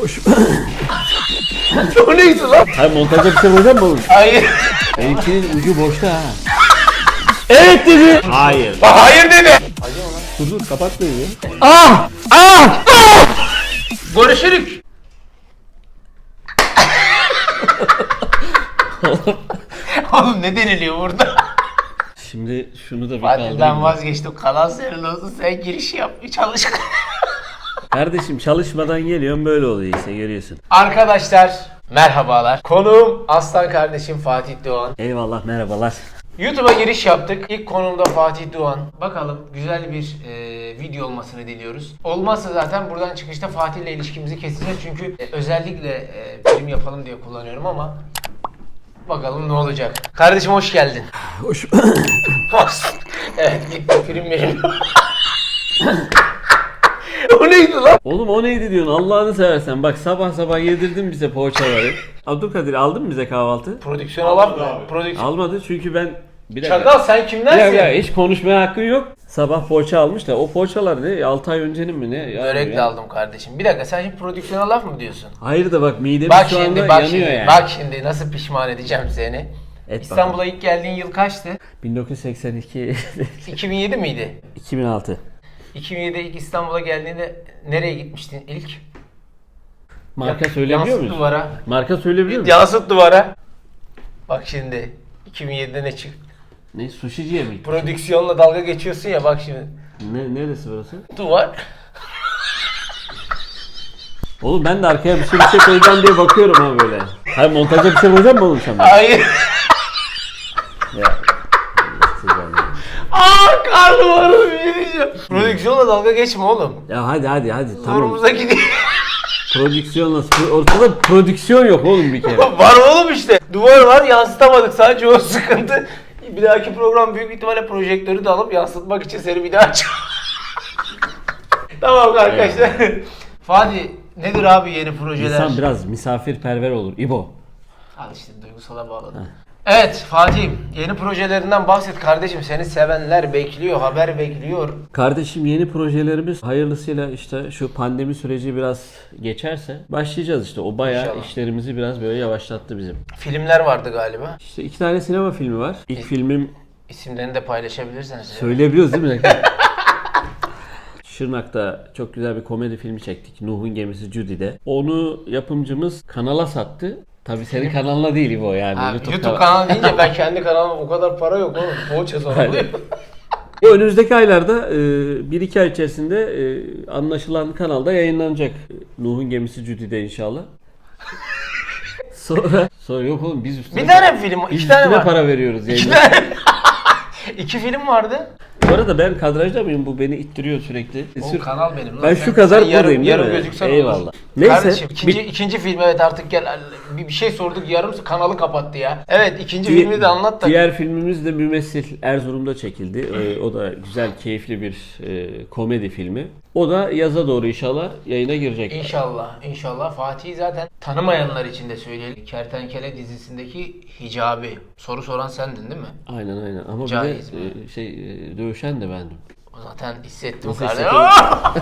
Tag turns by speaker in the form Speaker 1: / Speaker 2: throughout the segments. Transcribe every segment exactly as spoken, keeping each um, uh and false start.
Speaker 1: Hoş.
Speaker 2: O neydi lan?
Speaker 1: Hayır, montajda bir şey koyacak mı oğlum?
Speaker 2: Hayır.
Speaker 1: Benimkinin ucu boşta ha. Evet dedi. Hayır.
Speaker 2: Hayır dedi.
Speaker 1: Dur dur kapat beni ya.
Speaker 2: Ah! Ah! Ah! Görüşürük. Oğlum ne deniliyor burada?
Speaker 1: Şimdi şunu da bir
Speaker 2: Hadi
Speaker 1: kaldırayım.
Speaker 2: ben vazgeçtim. Kalan senin olsun. Sen giriş yap. Çalış.
Speaker 1: Kardeşim çalışmadan geliyorum, böyle oluyor işte, görüyorsun.
Speaker 2: Arkadaşlar merhabalar. Konuğum aslan kardeşim Fatih Doğan.
Speaker 1: Eyvallah, merhabalar.
Speaker 2: YouTube'a giriş yaptık. İlk konumda Fatih Doğan. Bakalım güzel bir e, video olmasını diliyoruz. Olmazsa zaten buradan çıkışta Fatih ile ilişkimizi keseceğiz. Çünkü e, özellikle e, film yapalım diye kullanıyorum ama bakalım ne olacak. Kardeşim hoş geldin.
Speaker 1: Hoş.
Speaker 2: Evet gitti film benim. O neydi lan?
Speaker 1: Oğlum o neydi diyorsun, Allah'ını seversen. Bak sabah sabah yedirdin bize poğaçaları. Abdülkadir, aldın mı bize kahvaltı?
Speaker 2: Prodüksiyona laf mı? Prodüksiyon.
Speaker 1: Almadı çünkü ben... Bir dakika.
Speaker 2: Çakal sen kimdensin?
Speaker 1: Ya, ya hiç konuşmaya hakkın yok. Sabah poğaça almış da o poğaçalar ne? altı ay öncenin mi ne? Ya,
Speaker 2: Börek
Speaker 1: ya.
Speaker 2: de aldım kardeşim. Bir dakika sen şimdi prodüksiyona laf mı diyorsun?
Speaker 1: Hayır da bak midemiz
Speaker 2: Bak
Speaker 1: şu anda
Speaker 2: şimdi bak
Speaker 1: yanıyor
Speaker 2: şimdi
Speaker 1: yani.
Speaker 2: bak şimdi nasıl pişman edeceğim seni.
Speaker 1: Et
Speaker 2: İstanbul'a ilk geldiğin yıl kaçtı?
Speaker 1: bin dokuz yüz seksen iki
Speaker 2: iki bin yedi miydi?
Speaker 1: iki bin altı.
Speaker 2: iki bin yedide ilk İstanbul'a geldiğinde nereye gitmiştin ilk?
Speaker 1: Marka
Speaker 2: Ya-
Speaker 1: söyleyebiliyor
Speaker 2: yansıt
Speaker 1: muyuz?
Speaker 2: duvara.
Speaker 1: Marka söyleyebiliyor muyuz?
Speaker 2: Yansıt duvara. Bak şimdi iki bin yedide ne çıktı?
Speaker 1: Ne, sushiciye mi?
Speaker 2: Prodüksiyonla dalga geçiyorsun ya bak şimdi.
Speaker 1: Ne, neresi burası?
Speaker 2: Duvar.
Speaker 1: Oğlum ben de arkaya bir şey bir şey koyacağım diye bakıyorum ha böyle. Hayır, montajda bir şey koyacak mı oğlum sen bana?
Speaker 2: Hayır.
Speaker 1: Ya.
Speaker 2: Aaa karnım ağrıdı bir şey diyeceğim. Prodüksiyonla dalga geçme oğlum.
Speaker 1: Ya hadi hadi hadi tamam.
Speaker 2: Zorumuza gidiyor.
Speaker 1: Prodüksiyonla ortada prodüksiyon yok oğlum bir kere.
Speaker 2: Var oğlum işte. Duvar var yansıtamadık sadece o sıkıntı. Bir dahaki program büyük ihtimalle projektörü de alıp yansıtmak için seni bir daha aç. Tamam arkadaşlar. Fatih nedir abi yeni projeler?
Speaker 1: İnsan biraz misafirperver olur. İbo.
Speaker 2: Al işte duygusala bağladım. Evet Fatih yeni projelerinden bahset kardeşim. Seni sevenler bekliyor, haber bekliyor.
Speaker 1: Kardeşim yeni projelerimiz hayırlısıyla işte şu pandemi süreci biraz geçerse başlayacağız işte. O bayağı
Speaker 2: İnşallah.
Speaker 1: işlerimizi biraz böyle yavaşlattı bizim.
Speaker 2: Filmler vardı galiba.
Speaker 1: İşte iki tane sinema filmi var. İlk filmim
Speaker 2: İsimlerini de paylaşabilirseniz.
Speaker 1: söyleyebiliyoruz değil mi? Şırnak'ta çok güzel bir komedi filmi çektik. Nuh'un Gemisi Judy'de. Onu yapımcımız kanala sattı. Tabii senin kanalına değil İbo yani.
Speaker 2: Ha,
Speaker 1: YouTube,
Speaker 2: YouTube,
Speaker 1: kanal-
Speaker 2: kanalı deyince ben kendi kanalıma o kadar para yok oğlum. Poğaça soruluyum.
Speaker 1: O önümüzdeki aylarda bir iki ay içerisinde e, anlaşılan kanalda yayınlanacak. Nuh'un Gemisi Judy'de inşallah. Sonra sonra yok oğlum biz üstüne,
Speaker 2: Bir tane mi film?
Speaker 1: biz
Speaker 2: İki tane
Speaker 1: üstüne
Speaker 2: var.
Speaker 1: para veriyoruz
Speaker 2: İki
Speaker 1: yayına.
Speaker 2: tane. İki film vardı.
Speaker 1: Bu arada ben kadrajda mıyım? Bu beni ittiriyor sürekli.
Speaker 2: O
Speaker 1: Sür-
Speaker 2: kanal benim. lan.
Speaker 1: Ben
Speaker 2: Sen-
Speaker 1: şu kadar
Speaker 2: sen yarım,
Speaker 1: buradayım değil
Speaker 2: yarım
Speaker 1: mi?
Speaker 2: gözüksen
Speaker 1: Eyvallah.
Speaker 2: olur.
Speaker 1: Neyse.
Speaker 2: Kardeşim ikinci,
Speaker 1: bir-
Speaker 2: ikinci film evet artık gel. Bir, bir şey sorduk yarım kanalı kapattı ya. Evet ikinci
Speaker 1: Di-
Speaker 2: filmi de anlat da.
Speaker 1: Diğer filmimiz de Mümessil Erzurum'da çekildi. Ee, o da güzel, keyifli bir e, komedi filmi. O da yaza doğru inşallah yayına girecek.
Speaker 2: İnşallah, inşallah. Fatih'i zaten tanımayanlar için de söyleyelim. Kertenkele dizisindeki Hicabi. Soru soran sendin değil mi?
Speaker 1: Aynen aynen. Ama
Speaker 2: Caiz
Speaker 1: bir de e, şey e, dövüşen de bendim.
Speaker 2: O zaten hissettim
Speaker 1: Nasıl
Speaker 2: kardeşim.
Speaker 1: hissettin?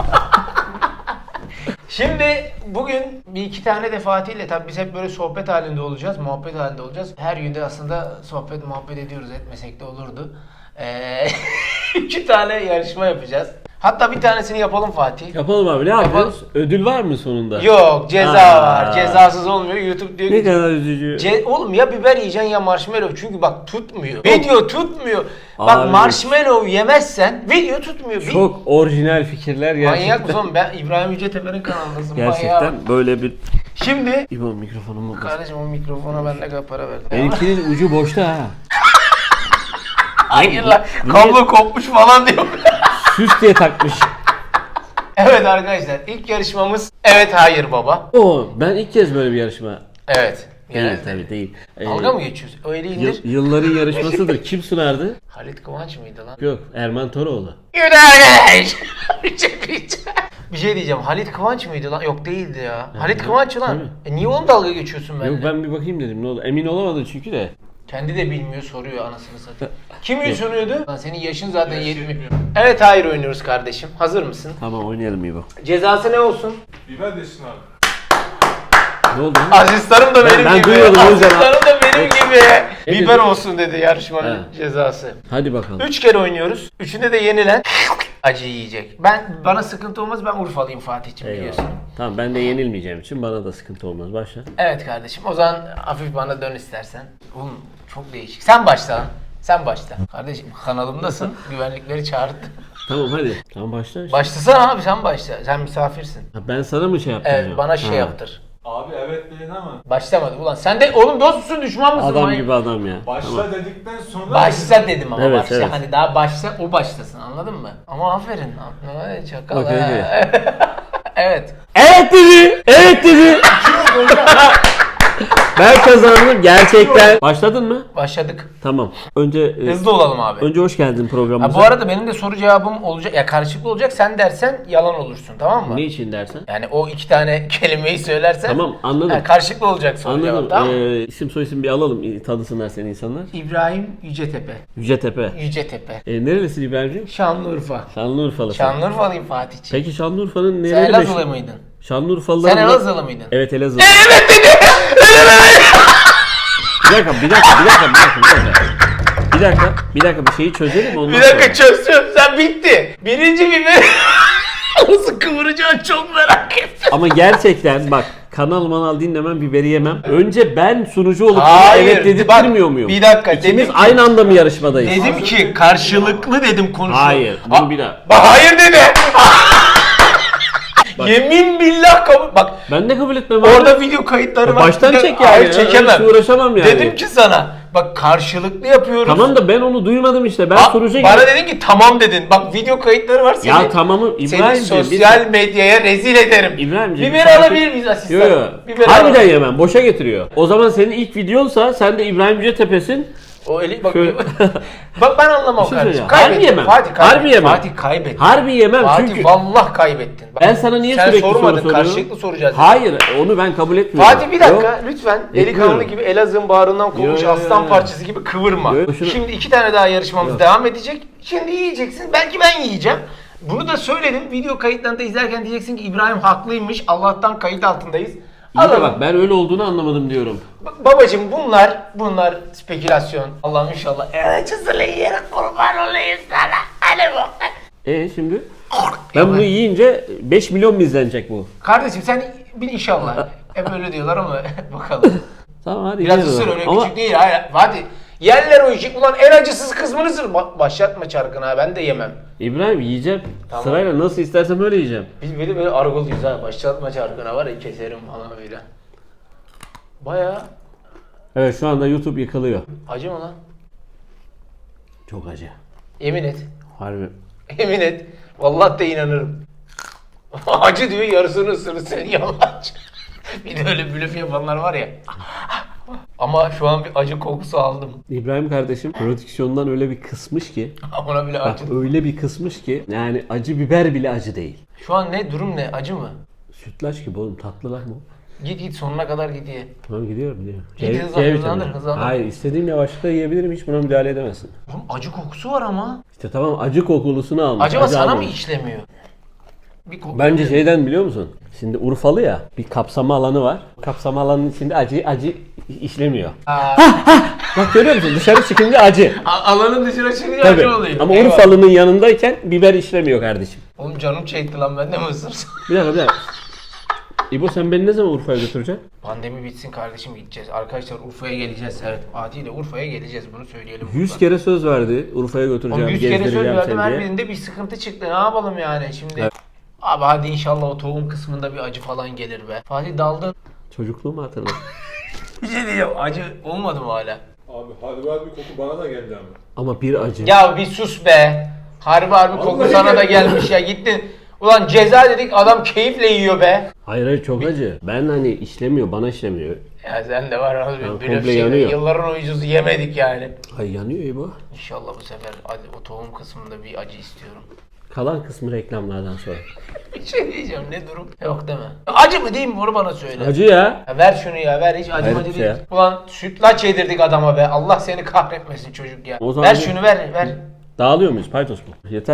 Speaker 2: Şimdi bugün bir iki tane de Fatih'le tabii biz hep böyle sohbet halinde olacağız, muhabbet halinde olacağız. Her günde aslında sohbet muhabbet ediyoruz, etmesek de olurdu. Ee, iki tane yarışma yapacağız. Hatta bir tanesini yapalım Fatih.
Speaker 1: Yapalım abi, ne
Speaker 2: Yapalım.
Speaker 1: yapıyoruz? Ödül var mı sonunda?
Speaker 2: Yok ceza
Speaker 1: Aa.
Speaker 2: var. Cezasız olmuyor. YouTube diyor
Speaker 1: Ne
Speaker 2: ki
Speaker 1: kadar üzücü.
Speaker 2: Ce- oğlum ya biber yiyeceksin ya marshmallow çünkü bak tutmuyor. Video tutmuyor. Bak
Speaker 1: Abi.
Speaker 2: marshmallow yemezsen video tutmuyor. Bir-
Speaker 1: Çok orijinal fikirler gerçekten.
Speaker 2: Manyak mısın? Ben İbrahim Yücetepe'nin kanalındasın.
Speaker 1: Gerçekten
Speaker 2: Manyak.
Speaker 1: böyle bir...
Speaker 2: Şimdi
Speaker 1: İbo mikrofonumu bas.
Speaker 2: kardeşim o mikrofona ben ne kadar para verdim.
Speaker 1: Benimkinin ucu boşta ha.
Speaker 2: Hayır lan
Speaker 1: Bu
Speaker 2: kablo kopmuş falan diyor.
Speaker 1: Süs diye takmış.
Speaker 2: Evet arkadaşlar ilk yarışmamız evet hayır baba.
Speaker 1: O ben ilk kez böyle bir yarışma.
Speaker 2: Evet.
Speaker 1: Değil
Speaker 2: Genelde.
Speaker 1: tabii değil. Ee,
Speaker 2: Dalga mı geçiyorsun? Öyle
Speaker 1: yıl-
Speaker 2: indir.
Speaker 1: yılların yarışmasıdır. Kim sunardı?
Speaker 2: Halit Kıvanç mıydı lan?
Speaker 1: Yok, Erman Toroğlu.
Speaker 2: Yürü arkadaş. Bir şey diyeceğim. Halit Kıvanç mıydı lan? Yok değildi ya. Halit Kıvanç lan.
Speaker 1: tabii.
Speaker 2: E niye onu dalga geçiyorsun benimle?
Speaker 1: Yok ben bir bakayım dedim, ne oldu? Emin olamadım çünkü de.
Speaker 2: Kendi de bilmiyor soruyor anasını satayım. Kim sunuyordu? Lan senin yaşın zaten yetmiyor. Evet hayır oynuyoruz kardeşim. Hazır mısın?
Speaker 1: Tamam oynayalım İbo.
Speaker 2: Cezası ne olsun?
Speaker 3: Biber desin abi.
Speaker 1: Ne oldu?
Speaker 2: Asistanım da benim
Speaker 1: ben
Speaker 2: gibi.
Speaker 1: duymadım o yüzden.
Speaker 2: Asistanım da benim gibi.
Speaker 1: Ne
Speaker 2: Biber
Speaker 1: dedi?
Speaker 2: olsun dedi yarışmanın
Speaker 1: He.
Speaker 2: cezası.
Speaker 1: Hadi bakalım.
Speaker 2: Üç kere oynuyoruz. Üçünde de yenilen acı yiyecek. Ben bana sıkıntı olmaz, ben Urfalıyım Fatih'ciğim biliyorsun.
Speaker 1: Eyvallah. Tamam, ben de yenilmeyeceğim için bana da sıkıntı olmaz. Başla.
Speaker 2: Evet kardeşim, o zaman hafif bana dön istersen. Oğlum çok değişik. Sen başla lan. Sen başla. Kardeşim kanalımdasın. Güvenlikleri çağırdı.
Speaker 1: Tamam hadi. Tamam başla. işte.
Speaker 2: Başlasana abi, sen başla. Sen misafirsin.
Speaker 1: Ha, ben sana mı şey yaptım?
Speaker 2: Evet,
Speaker 1: ya?
Speaker 2: bana şey
Speaker 1: Ha.
Speaker 2: yaptır.
Speaker 3: Abi evet dedin ama
Speaker 2: Başlamadı ulan. Sen de oğlum dost musun, düşman mısın?
Speaker 1: Adam
Speaker 2: Manyak-
Speaker 1: gibi adam ya.
Speaker 3: başla
Speaker 1: Tamam.
Speaker 3: dedikten sonra
Speaker 2: Başla dedim ama
Speaker 1: Evet,
Speaker 2: başla.
Speaker 1: evet.
Speaker 2: Hani daha başla, o başlasın, anladın mı? Ama aferin. Ay, çakal.
Speaker 1: Okey,
Speaker 2: ha. Evet.
Speaker 1: Evet dedi. Evet dedi. Ben kazandım gerçekten. Başladın mı?
Speaker 2: Başladık.
Speaker 1: Tamam. Önce e,
Speaker 2: Hızlı olalım abi.
Speaker 1: önce hoş geldin programımıza.
Speaker 2: Ha, bu arada benim de soru cevabım olacak. Ya karışıklı olacak. Sen dersen yalan olursun, tamam mı?
Speaker 1: Ne için dersen?
Speaker 2: Yani o iki tane kelimeyi söylersen.
Speaker 1: Tamam, anladım.
Speaker 2: Ha, karşılıklı olacak soru
Speaker 1: Anladım.
Speaker 2: cevap, tamam mı?
Speaker 1: Ee, isim soyisim bir alalım. Tanısınlar seni insanlar.
Speaker 2: İbrahim Yücetepe.
Speaker 1: Yücetepe.
Speaker 2: Yücetepe.
Speaker 1: E, nerelisin İbrahim'ciğim?
Speaker 2: Şanlıurfa.
Speaker 1: Şanlıurfa'lısın.
Speaker 2: Şanlıurfalıyım Fatih'ciğim.
Speaker 1: Peki Şanlıurfa'nın
Speaker 2: Sen
Speaker 1: nereleri
Speaker 2: Elazığlı
Speaker 1: meşhur?
Speaker 2: mıydın?
Speaker 1: Şanlıurfalılar.
Speaker 2: Sen Elazığlı mıydın?
Speaker 1: Evet, Elazığlı. Evet dedi. Bir dakika, bir dakika, bir dakika, bir dakika, bir dakika. Bir dakika, bir dakika bir şeyi çözelim ondan
Speaker 2: Bir dakika
Speaker 1: sonra.
Speaker 2: çözsün. Sen bitti. Birinci biber. Nasıl kıvıracağını çok merak ettim.
Speaker 1: Ama gerçekten bak, kanal manal dinlemem, biberi yemem. Önce ben sunucu olup
Speaker 2: Hayır,
Speaker 1: evet dedirtmiyor
Speaker 2: bak,
Speaker 1: muyum?
Speaker 2: bir dakika,
Speaker 1: İkimiz
Speaker 2: dedim ki-
Speaker 1: aynı anda mı yarışmadayız?
Speaker 2: Dedim ki karşılıklı dedim konuşuyor.
Speaker 1: Hayır,
Speaker 2: Ha-
Speaker 1: bunu bir daha.
Speaker 2: Bak hayır dedi. Yemin billah kabul. Bak
Speaker 1: Ben de kabul etmem abi.
Speaker 2: orada video kayıtları var.
Speaker 1: Baştan
Speaker 2: Bir de-
Speaker 1: çek yani.
Speaker 2: Hayır
Speaker 1: ya,
Speaker 2: çekemem.
Speaker 1: hiç uğraşamam yani.
Speaker 2: Dedim ki sana bak karşılıklı yapıyoruz.
Speaker 1: Tamam da ben onu duymadım işte. Ben
Speaker 2: Ba-
Speaker 1: sunucuya
Speaker 2: Bana
Speaker 1: gittim.
Speaker 2: dedin ki tamam dedin. Bak video kayıtları var seni.
Speaker 1: Ya tamamı
Speaker 2: Seni
Speaker 1: İbrahim'ciğim.
Speaker 2: sosyal medyaya rezil ederim.
Speaker 1: İbrahim'ciğim.
Speaker 2: Biber
Speaker 1: sakin-
Speaker 2: alabilir miyiz asistan?
Speaker 1: Yo yo.
Speaker 2: Biber
Speaker 1: Harbiden
Speaker 2: alabilir.
Speaker 1: yemem. Boşa getiriyor. O zaman senin ilk videonsa sen de İbrahim Yücetepe'sin.
Speaker 2: O eli bak.
Speaker 1: Şöyle-
Speaker 2: Bak ben anlamam
Speaker 1: Bir şey
Speaker 2: kardeşim.
Speaker 1: söyleyeceğim. Harbi
Speaker 2: Kaybettin.
Speaker 1: yemem.
Speaker 2: Fatih kaybettin.
Speaker 1: Harbi yemem.
Speaker 2: Fatih kaybettin.
Speaker 1: Harbi yemem
Speaker 2: Fatih
Speaker 1: çünkü.
Speaker 2: vallahi kaybettin. Bak,
Speaker 1: Ben sana niye
Speaker 2: sen
Speaker 1: sürekli soru
Speaker 2: sormadın,
Speaker 1: soruyorum?
Speaker 2: karşılıklı soracağız.
Speaker 1: Hayır, onu ben kabul etmiyorum.
Speaker 2: Fatih bir dakika
Speaker 1: Yok.
Speaker 2: lütfen
Speaker 1: Etmiyorum.
Speaker 2: delikanlı gibi Elazığ'ın bağrından kovmuş
Speaker 1: Yo, yo,
Speaker 2: aslan
Speaker 1: yo.
Speaker 2: parçası gibi kıvırma.
Speaker 1: Yo, şunu-
Speaker 2: Şimdi iki tane daha yarışmamız
Speaker 1: Yok.
Speaker 2: devam edecek. Şimdi yiyeceksin. Belki ben yiyeceğim. Bunu da söyledim. Video kayıtlarında izlerken diyeceksin ki İbrahim haklıymış. Allah'tan kayıt altındayız.
Speaker 1: İyi de
Speaker 2: Alalım.
Speaker 1: bak, ben öyle olduğunu anlamadım diyorum.
Speaker 2: Ba- Babacım bunlar bunlar spekülasyon. Allah'ım inşallah. Evet çizili yere kurban olayım sana. Hadi bakalım.
Speaker 1: E şimdi? Ben bunu yiyince beş milyon mu izlenecek bu?
Speaker 2: Kardeşim sen bin inşallah. Hep öyle diyorlar ama bakalım.
Speaker 1: Tamam hadi
Speaker 2: Biraz
Speaker 1: yiyelim
Speaker 2: ısır
Speaker 1: o
Speaker 2: öyle
Speaker 1: zaman. Ama
Speaker 2: küçük değil. Hayır. Hadi. Yerler o işi. Ulan en acısız kısmını ısır. Ba- başlatma çarkına ha. Ben de yemem.
Speaker 1: İbrahim yiyeceğim.
Speaker 2: Tamam.
Speaker 1: Sırayla nasıl istersem öyle yiyeceğim.
Speaker 2: Biz böyle böyle argoluyuz ha. Başlatma çarkına var ya keserim falan böyle. Baya
Speaker 1: Evet, şu anda YouTube yıkılıyor.
Speaker 2: acı mı lan?
Speaker 1: Çok acı.
Speaker 2: Yemin et.
Speaker 1: Harbi.
Speaker 2: Yemin et. Vallahi de inanırım. Acı diyor yarısını ısırır sen yalancı. Bir de öyle blöf yapanlar var ya. Ama şu an bir acı kokusu aldım.
Speaker 1: İbrahim kardeşim prodüksiyondan öyle bir kısmış ki.
Speaker 2: Ona bile
Speaker 1: Bak
Speaker 2: acı.
Speaker 1: öyle bir kısmış ki. Yani acı biber bile acı değil.
Speaker 2: Şu an ne durum ne? Acı mı?
Speaker 1: Sütlaç gibi oğlum, tatlı lan bu.
Speaker 2: Git git sonuna kadar git ye.
Speaker 1: Tamam, gidiyorum gidiyorum.
Speaker 2: Git,
Speaker 1: C-
Speaker 2: hızlan-
Speaker 1: C
Speaker 2: hızlandır,
Speaker 1: vitamini.
Speaker 2: hızlandır.
Speaker 1: Hayır, istediğim yavaşlıkta yiyebilirim, hiç buna müdahale edemezsin.
Speaker 2: Oğlum acı kokusu var ama.
Speaker 1: İşte tamam, acı kokulusunu almış.
Speaker 2: Acaba
Speaker 1: acı
Speaker 2: sana mı
Speaker 1: almamış.
Speaker 2: işlemiyor? Bir koku.
Speaker 1: Bence şeyden biliyor musun? Şimdi Urfalı ya, bir kapsama alanı var. Kapsama alanının içinde acı acı işlemiyor.
Speaker 2: Aa,
Speaker 1: Bak görüyor musun? Dışarı çıkınca acı.
Speaker 2: a- alanın dışına çıkınca
Speaker 1: Tabii.
Speaker 2: acı oluyor.
Speaker 1: Ama
Speaker 2: Eyvallah.
Speaker 1: Urfalı'nın yanındayken biber işlemiyor kardeşim.
Speaker 2: Oğlum canım çekti lan, ben de mi ısırsam?
Speaker 1: Bir dakika bir dakika. İbo sen beni ne zaman Urfa'ya götüreceksin?
Speaker 2: Pandemi bitsin kardeşim, gideceğiz. Arkadaşlar Urfa'ya geleceğiz. Evet, Fatih ile Urfa'ya geleceğiz, bunu söyleyelim.
Speaker 1: Yüz
Speaker 2: buradan.
Speaker 1: kere söz verdi. Urfa'ya
Speaker 2: Oğlum
Speaker 1: götüreceğim,
Speaker 2: yüz kere söz
Speaker 1: gezdireceğim
Speaker 2: verdim,
Speaker 1: seni
Speaker 2: her
Speaker 1: diye.
Speaker 2: birinde bir sıkıntı çıktı. Ne yapalım yani şimdi?
Speaker 1: Evet.
Speaker 2: Abi hadi inşallah o tohum kısmında bir acı falan gelir be. Fatih daldın.
Speaker 1: Çocukluğumu hatırla.
Speaker 2: Bir şey diyeceğim, acı olmadı mı hala?
Speaker 3: abi hadi var bir koku bana da geldi ama.
Speaker 1: Ama bir acı.
Speaker 2: Ya bir sus be. Harbi harbi koku
Speaker 3: Vallahi
Speaker 2: sana da
Speaker 3: geldi.
Speaker 2: gelmiş ya, gittin. Ulan ceza dedik, adam keyifle yiyor be.
Speaker 1: Hayır hayır, çok acı. Ben hani işlemiyor, bana işlemiyor.
Speaker 2: Ya sen de var abi,
Speaker 1: Ya,
Speaker 2: bir
Speaker 1: komple
Speaker 2: şey,
Speaker 1: yanıyor.
Speaker 2: yılların oyuncusu yemedik yani.
Speaker 1: Ay yanıyor İbo.
Speaker 2: İnşallah bu sefer hadi o tohum kısmında bir acı istiyorum.
Speaker 1: Kalan kısmı reklamlardan sonra.
Speaker 2: Bir şey diyeceğim, ne durum? Yok deme. Acı mı değil mi, onu bana söyle.
Speaker 1: Acı ya.
Speaker 2: Ya ver şunu ya, ver, hiç acı
Speaker 1: Hayır,
Speaker 2: acı
Speaker 1: şey
Speaker 2: değil.
Speaker 1: ya.
Speaker 2: Ulan sütlaç yedirdik adama be. Allah seni kahretmesin çocuk ya.
Speaker 1: O zaman
Speaker 2: Ver
Speaker 1: bir-
Speaker 2: şunu, ver ver.
Speaker 1: Dağılıyor muyuz? Paydos mu? Yeter.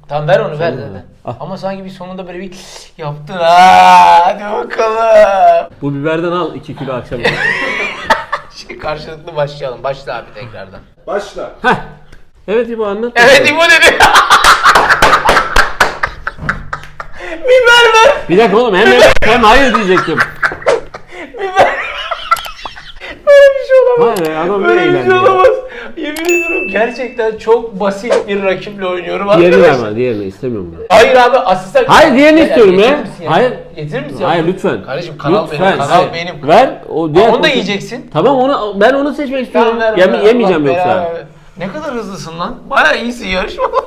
Speaker 2: Tamam ver onu ver
Speaker 1: Tamam.
Speaker 2: zaten.
Speaker 1: Al.
Speaker 2: Ama sanki bir sonunda böyle bir yaptın ha. Hadi bakalım.
Speaker 1: Bu biberden al iki kilo akşam.
Speaker 2: Şey, karşılıklı başlayalım. Başla abi tekrardan.
Speaker 3: Başla.
Speaker 1: Heh. Evet İbo anlat.
Speaker 2: Evet İbo dedi. Biber ver.
Speaker 1: Bir dakika oğlum hem hem hayır diyecektim.
Speaker 2: Biber. Böyle bir şey olamaz.
Speaker 1: Hayır adam
Speaker 2: Böyle
Speaker 1: böyle
Speaker 2: bir şey
Speaker 1: eğlendi.
Speaker 2: olamaz. Yemin ediyorum gerçekten çok basit bir rakiple oynuyorum
Speaker 1: Diğerini
Speaker 2: arkadaşlar.
Speaker 1: verme, diğerini istemiyorum ben.
Speaker 2: Hayır abi asistan.
Speaker 1: Hayır, diğerini istiyorum
Speaker 2: getirir
Speaker 1: ya.
Speaker 2: misin ya?
Speaker 1: Hayır.
Speaker 2: Getirir misin?
Speaker 1: Hayır
Speaker 2: ya?
Speaker 1: lütfen.
Speaker 2: Kardeşim kanal
Speaker 1: Lütfen,
Speaker 2: benim, kanal
Speaker 1: hayır.
Speaker 2: benim.
Speaker 1: Ver o diğer.
Speaker 2: Aa, onu da
Speaker 1: porsiyon-
Speaker 2: yiyeceksin.
Speaker 1: Tamam onu ben onu seçmek istiyorum.
Speaker 2: Tamam, ver,
Speaker 1: Yeme-
Speaker 2: ver,
Speaker 1: yemeyeceğim
Speaker 2: Allah
Speaker 1: yoksa.
Speaker 2: belanı. Ne kadar hızlısın lan. Bayağı iyisin yarışmalarda.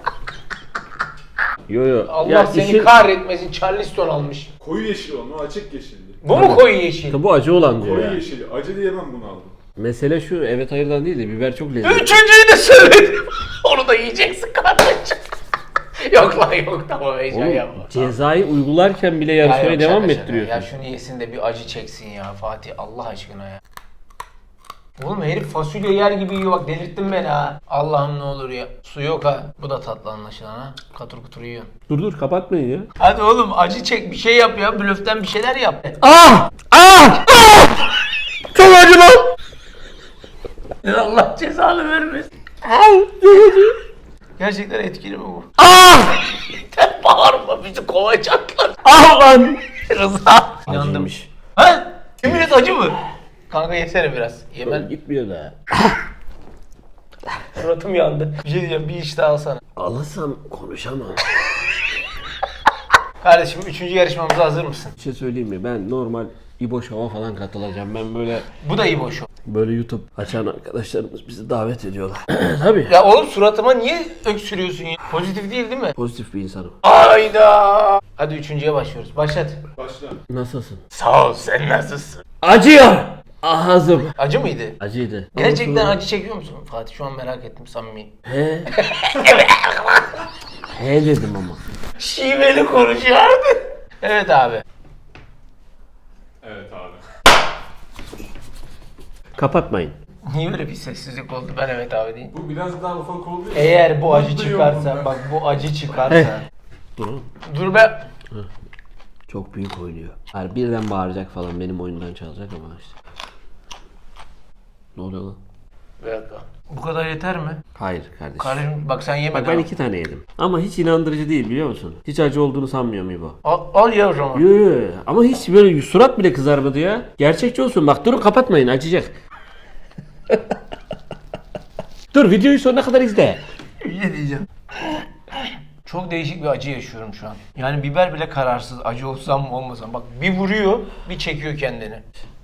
Speaker 1: Yo yo.
Speaker 2: Allah
Speaker 1: Ya
Speaker 2: seni
Speaker 1: işin-
Speaker 2: kahretmesin. Charleston almış.
Speaker 3: Koyu yeşil onu açık yeşildi.
Speaker 2: Bu mu koyu yeşil?
Speaker 1: Bu acı olan diyor
Speaker 3: Koyu
Speaker 1: ya.
Speaker 3: yeşil. Acı diyemem bunu aldım.
Speaker 1: Mesele şu evet hayırdan değil de biber çok lezzetli.
Speaker 2: Üçüncüyü de söyledim. Onu da yiyeceksin kardeşim. Yok lan yok tamam heyecan
Speaker 1: Oğlum
Speaker 2: yapma.
Speaker 1: cezayı uygularken bile
Speaker 2: Ya
Speaker 1: yarışmaya
Speaker 2: yok,
Speaker 1: devam mı
Speaker 2: şaka şaka.
Speaker 1: ettiriyorsun?
Speaker 2: Ya şunu yesin de bir acı çeksin ya Fatih Allah aşkına ya. Oğlum herif fasulye yer gibi yiyor bak delirttin beni ha. Allah'ım ne olur ya. Su yok ha. Bu da tatlı anlaşılan ha. Katır kutur yiyorsun.
Speaker 1: Dur dur kapatmayın ya.
Speaker 2: Hadi oğlum acı çek bir şey yap ya. Blöften bir şeyler yap.
Speaker 1: Ah! Ah! Ah! Çok acı lan!
Speaker 2: Allah cezanı vermesin. Gerçekten etkili mi bu?
Speaker 1: Ah!
Speaker 2: Yeter bağırma bizi kovacaklar.
Speaker 1: Ah lan!
Speaker 2: Rıza. İnandım.
Speaker 1: Acıymış.
Speaker 2: Ha? Yemin et acı mı? Kanka yesene biraz. Yemen.
Speaker 1: Gitmiyor da.
Speaker 2: Suratım yandı. Bir şey diyeceğim bir iş daha alsana.
Speaker 1: Alasam konuşamam.
Speaker 2: Kardeşim üçüncü yarışmamıza hazır mısın?
Speaker 1: Bir şey söyleyeyim mi? Ben normal İbo Show'a falan katılacağım. Ben böyle
Speaker 2: Bu da iyi boş.
Speaker 1: böyle YouTube açan arkadaşlarımız bizi davet ediyorlar. Tabii.
Speaker 2: Ya oğlum suratıma niye öksürüyorsun ya? Pozitif değil değil mi?
Speaker 1: Pozitif bir insanım.
Speaker 2: Ayda. Hadi üçüncüye başlıyoruz. Başlat.
Speaker 3: Başla.
Speaker 1: Nasılsın?
Speaker 2: Sağ ol sen nasılsın?
Speaker 1: Acıyor! Ağzım.
Speaker 2: Acı mıydı?
Speaker 1: Acıydı.
Speaker 2: Gerçekten
Speaker 1: Ama
Speaker 2: acı çekiyor musun? Fatih şu an merak ettim samimi.
Speaker 1: He. He dedim ama.
Speaker 2: Şiveli konuşuyordu. Evet abi.
Speaker 3: Evet abi.
Speaker 1: Kapatmayın.
Speaker 2: Niye böyle bir sessizlik oldu? Ben evet abi diyeyim.
Speaker 3: Bu biraz daha ufak oldu ya.
Speaker 2: Eğer bu acı
Speaker 3: Mutluyum
Speaker 2: çıkarsa,
Speaker 3: bundan.
Speaker 2: bak bu acı çıkarsa.
Speaker 1: Dur oğlum.
Speaker 2: Dur be.
Speaker 1: Çok büyük oynuyor. Hayır birden bağıracak falan benim oyundan çalacak ama işte. Ne oluyor lan?
Speaker 2: Bir dakika. Bu kadar yeter mi?
Speaker 1: Hayır kardeşim.
Speaker 2: Kardeşim bak sen yemedin.
Speaker 1: Bak ben
Speaker 2: ama.
Speaker 1: iki tane yedim. Ama hiç inandırıcı değil biliyor musun? Hiç acı olduğunu sanmıyorum İbo.
Speaker 2: Al, al ya o zaman.
Speaker 1: Yo, yo, yo. Ama hiç böyle surat bile kızarmadı ya. Gerçekçi olsun. Bak durun kapatmayın acıyacak. Dur videoyu sonuna kadar izle.
Speaker 2: Bir şey diyeceğim. Çok değişik bir acı yaşıyorum şu an. Yani biber bile kararsız. Acı olsam mı olmasam. Bak bir vuruyor, bir çekiyor kendini.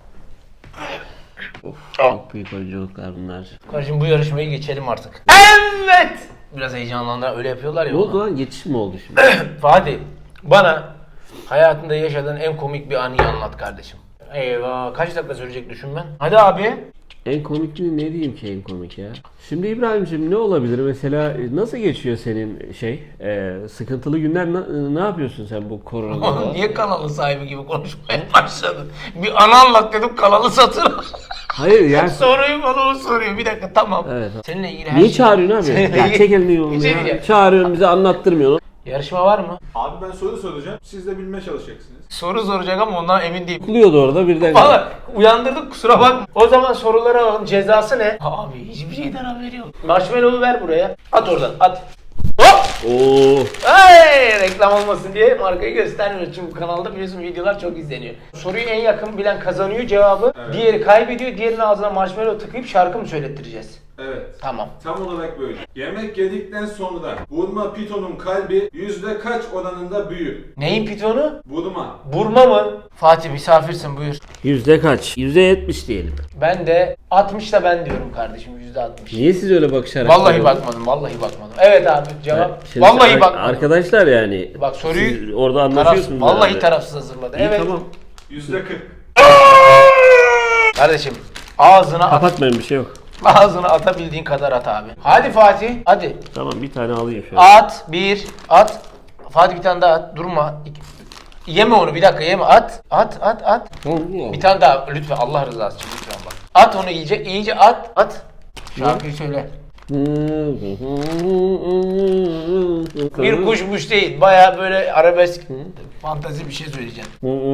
Speaker 1: Çok büyük oyunculuklar bunlar.
Speaker 2: Kardeşim bu yarışmayı geçelim artık. Evet! Biraz heyecanlandılar. Öyle yapıyorlar ya.
Speaker 1: Ne oldu
Speaker 2: ona.
Speaker 1: lan? Geçiş mi oldu şimdi?
Speaker 2: Fatih, bana hayatında yaşadığın en komik bir anıyı anlat kardeşim. Eyvah, kaç dakika sürecek düşün ben. Hadi abi.
Speaker 1: En komik mi ne diyeyim ki en komik ya? Şimdi İbrahim'cim ne olabilir mesela nasıl geçiyor senin şey e, sıkıntılı günler ne, ne yapıyorsun sen bu
Speaker 2: Oğlum
Speaker 1: koronada?
Speaker 2: niye kanalı sahibi gibi konuşmaya başladın? Bir anı anlat dedim kanalı satın al.
Speaker 1: Hayır yani
Speaker 2: Soruyu bana o soruyor. Bir dakika tamam.
Speaker 1: Evet.
Speaker 2: Seninle ilgili her
Speaker 1: niye
Speaker 2: şey...
Speaker 1: çağırıyorsun abi?
Speaker 2: Seninle
Speaker 1: Ya
Speaker 2: ilgili-
Speaker 1: çek elini yolunu
Speaker 2: Bir şey
Speaker 1: ya.
Speaker 2: diyeceğim.
Speaker 1: Çağırıyorsun bize anlattırmıyorsun.
Speaker 2: Yarışma var mı?
Speaker 3: Abi ben soru soracağım. Siz de bilmeye çalışacaksınız.
Speaker 2: Soru soracak ama ondan emin değilim.
Speaker 1: Kuluyordu orada birden.
Speaker 2: Valla uyandırdık kusura bakma. O zaman soruları alalım. Cezası ne? Abi hiçbir şeyden haberi yok. Marshmallow'u ver buraya. At oradan at. Hop!
Speaker 1: Oo.
Speaker 2: Ay, reklam olmasın diye markayı göstermiyoruz. Çünkü bu kanalda biliyorsun videolar çok izleniyor. Soruyu en yakın bilen kazanıyor cevabı.
Speaker 3: Evet.
Speaker 2: Diğeri kaybediyor. Diğerinin ağzına marshmallow tıkayıp şarkı mı söylettireceğiz?
Speaker 3: Evet.
Speaker 2: Tamam.
Speaker 3: Tam olarak böyle. Yemek yedikten sonra vurma pitonun kalbi yüzde kaç oranında büyür?
Speaker 2: Neyin pitonu?
Speaker 3: Vurma.
Speaker 2: Burma mı? Fatih misafirsin buyur.
Speaker 1: Yüzde kaç? Yüzde yetmiş diyelim.
Speaker 2: Ben de altmış da ben diyorum kardeşim yüzde altmış.
Speaker 1: Niye siz öyle bakışarak?
Speaker 2: Vallahi bakmadım, vallahi bakmadım. Evet abi cevap.
Speaker 1: Şimdi
Speaker 2: vallahi
Speaker 1: ar-
Speaker 2: bakmadım.
Speaker 1: Arkadaşlar yani.
Speaker 2: Bak soruyu
Speaker 1: siz orada
Speaker 2: taraf,
Speaker 1: anlaşıyorsunuz.
Speaker 2: vallahi
Speaker 1: herhalde.
Speaker 2: tarafsız hazırladı.
Speaker 1: İyi
Speaker 2: Evet.
Speaker 1: tamam.
Speaker 3: Yüzde kırk.
Speaker 2: Kardeşim ağzına at,
Speaker 1: Kapatmayın bir şey yok.
Speaker 2: ağzına atabildiğin kadar at abi. Hadi Fatih, hadi.
Speaker 1: Tamam bir tane alayım şöyle.
Speaker 2: At, bir, at. Fatih bir tane daha at, durma. İki- Yeme onu bir dakika yeme at. At, at, at. Bir tane daha lütfen Allah rızası için lütfen bak. At onu iyice, iyice at, at. Şarkıyı söyle. Bir kuşmuş değil. Baya böyle arabesk fantazi bir şey söyleyeceğim.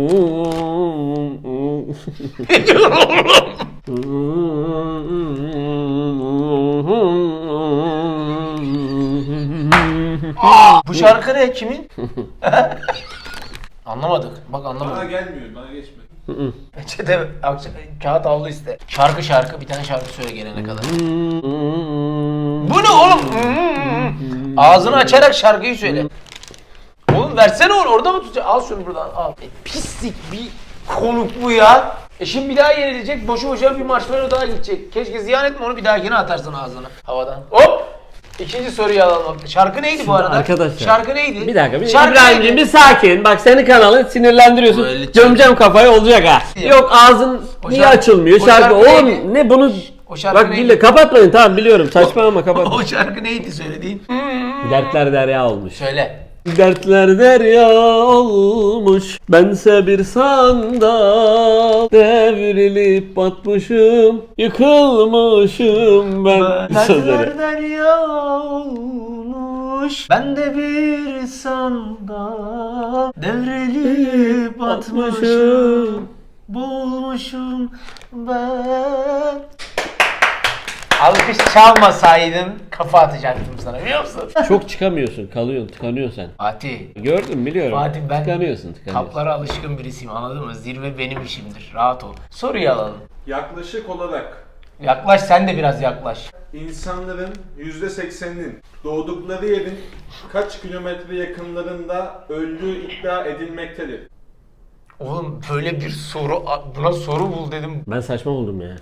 Speaker 2: Aa, bu şarkı ne? Kimin? Anlamadık. Bak
Speaker 3: Bana
Speaker 2: anlamadık.
Speaker 3: gelmiyor, bana geçmedi.
Speaker 2: Peçete, akşam, kağıt havlu iste. Şarkı şarkı bir tane şarkı söyle gelene kadar. Bu ne oğlum? Ağzını açarak şarkıyı söyle. Oğlum versene onu, orada mı tutacaksın? Al şunu buradan al. E, pislik bir konuk bu ya. E şimdi bir daha yenilecek, boşu boşuna bir marshmallow daha gidecek. Keşke ziyan etme onu, bir dahakine atarsın ağzına havadan. Hop! İkinci soruyu alalım. Şarkı neydi bu arada?
Speaker 1: Arkadaşlar.
Speaker 2: Şarkı neydi?
Speaker 1: Bir dakika, bir
Speaker 2: Şarkı
Speaker 1: İbrahim'ciğim
Speaker 2: neydi?
Speaker 1: bir sakin. Bak senin kanalın sinirlendiriyorsun.
Speaker 2: Böyle
Speaker 1: Gömeceğim kafayı olacak ha.
Speaker 2: Ya.
Speaker 1: Yok ağzın
Speaker 2: O
Speaker 1: niye
Speaker 2: şarkı-
Speaker 1: açılmıyor?
Speaker 2: o
Speaker 1: Şarkı.
Speaker 2: şarkı
Speaker 1: Oğlum
Speaker 2: neydi?
Speaker 1: ne bunu?
Speaker 2: O şarkı
Speaker 1: Bak
Speaker 2: neydi?
Speaker 1: dille kapatmayın, tamam biliyorum. Saçmalama kapat.
Speaker 2: O şarkı neydi söylediğin?
Speaker 1: Dertler derya olmuş.
Speaker 2: Söyle.
Speaker 1: Dertler derya olmuş, bense bir sandal. Devrilip batmışım, yıkılmışım ben. Sözleri.
Speaker 2: derya olmuş, ben de bir sandal. Devrilip
Speaker 1: Batmışım.
Speaker 2: boğulmuşum ben. Alkış çalmasaydın kafa atacaktım sana, biliyor musun?
Speaker 1: Çok çıkamıyorsun, kalıyorsun, tıkanıyorsun sen.
Speaker 2: Fatih,
Speaker 1: Gördüm biliyorum.
Speaker 2: Fatih ben
Speaker 1: tıkanıyorsun, tıkanıyorsun.
Speaker 2: kaplara alışkın birisiyim, anladın mı? Zirve benim işimdir, rahat ol. Soruyu alalım.
Speaker 3: Yaklaşık olarak
Speaker 2: Yaklaş, sen de biraz yaklaş.
Speaker 3: insanların yüzde sekseninin doğdukları yerin kaç kilometre yakınlarında öldüğü iddia edilmektedir?
Speaker 2: Oğlum böyle bir soru, buna soru bul dedim.
Speaker 1: Ben saçma buldum ya.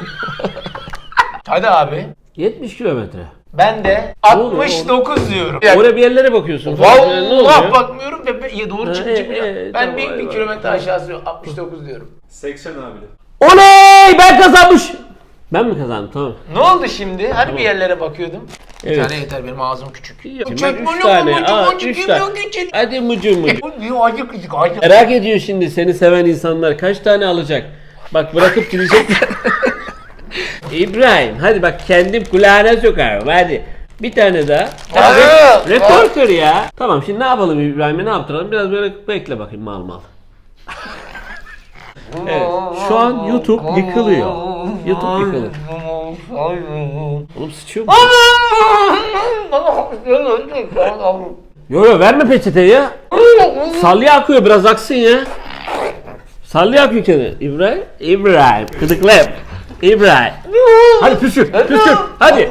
Speaker 2: Hadi abi.
Speaker 1: yetmiş kilometre.
Speaker 2: Ben de
Speaker 1: Ne oluyor
Speaker 2: altmış dokuz diyorum.
Speaker 1: Oraya bir yerlere bakıyorsun. falan. Ne oluyor?
Speaker 2: Vallahi bakmıyorum ve ben- ya doğru
Speaker 1: Ha,
Speaker 2: çıkınca
Speaker 1: e,
Speaker 2: bile-
Speaker 1: e,
Speaker 2: ben
Speaker 1: tamam,
Speaker 2: bir, bir
Speaker 1: eyvallah.
Speaker 2: kilometre
Speaker 1: Tamam.
Speaker 2: aşağısı altmış dokuz diyorum.
Speaker 3: seksen abi.
Speaker 1: Oley! Ben kazanmış. Ben mi kazandım? Tamam.
Speaker 2: Ne oldu şimdi? Hani bir yerlere bakıyordum. Bir
Speaker 1: Evet.
Speaker 2: tane yeter, benim ağzım küçük.
Speaker 1: Şimdi
Speaker 2: Üç
Speaker 1: üç tane. Aa, üç tane. Hadi mucu mucu.
Speaker 2: Acık acık acık.
Speaker 1: Merak ediyor şimdi seni seven insanlar kaç tane alacak? Bak bırakıp gidecekler. İbrahim hadi bak kendim kulağına sokarım hadi. Bir tane daha. Hadi,
Speaker 2: Aa,
Speaker 1: rekor kır ya. Tamam şimdi ne yapalım İbrahim'e, ne yaptıralım? Biraz böyle bekle bakayım mal mal. Evet şu an YouTube yıkılıyor. YouTube yıkılır. Oğlum sıçıyor mu? Yo yo verme peçeteyi ya. Salya akıyor, biraz aksın ya. Salya akıyor kendine. İbrahim, İbrahim. Gıdıkla yap. İbrahim. Hadi püskür, püskür. Hadi.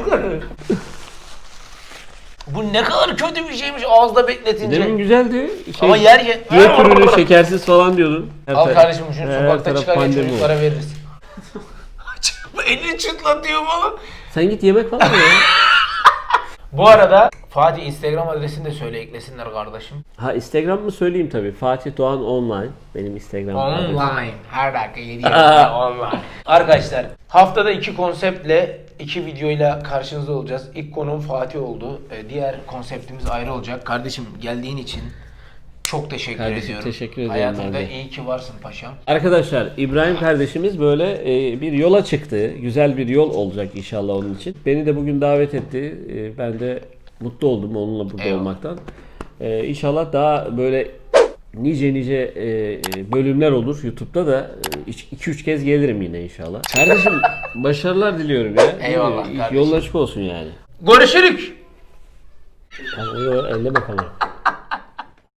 Speaker 2: Bu ne kadar kötü bir şeymiş ağızda bekletince.
Speaker 1: Demin güzeldi. Şey,
Speaker 2: Ama yer ye.
Speaker 1: diyet ürünü şekersiz falan diyordun. Her
Speaker 2: Al
Speaker 1: taraf-
Speaker 2: kardeşim şunu
Speaker 1: her
Speaker 2: sokakta
Speaker 1: taraf
Speaker 2: çıkarken
Speaker 1: pandemi
Speaker 2: çocuklara
Speaker 1: oldu.
Speaker 2: veririz. Elini çıtlatıyor falan.
Speaker 1: Sen git yemek falan ye ya.
Speaker 2: Bu arada Fatih Instagram adresini de söyle, eklesinler kardeşim.
Speaker 1: Ha Instagram mı söyleyeyim tabii. Fatih Doğan Online. Benim Instagram adresim.
Speaker 2: Online. Her dakika yedi yaşında online. Arkadaşlar haftada iki konseptle, iki videoyla karşınızda olacağız. İlk konuğum Fatih oldu. Ee, Diğer konseptimiz ayrı olacak. Kardeşim geldiğin için çok teşekkür
Speaker 1: Kardeşim,
Speaker 2: ediyorum.
Speaker 1: teşekkür ederim
Speaker 2: Hayatımda
Speaker 1: ben de.
Speaker 2: iyi ki varsın paşam.
Speaker 1: Arkadaşlar İbrahim kardeşimiz böyle e, bir yola çıktı. Güzel bir yol olacak inşallah onun için. Beni de bugün davet etti. E, ben de mutlu oldum onunla burada
Speaker 2: Eyvallah.
Speaker 1: olmaktan. E, inşallah daha böyle nice nice e, bölümler olur YouTube'da da iki üç kez gelirim yine inşallah. Kardeşim başarılar diliyorum ya.
Speaker 2: Eyvallah
Speaker 1: İyi,
Speaker 2: kardeşim.
Speaker 1: Yolun açık olsun yani.
Speaker 2: Görüşürük.
Speaker 1: Yani, elleme kamerayı.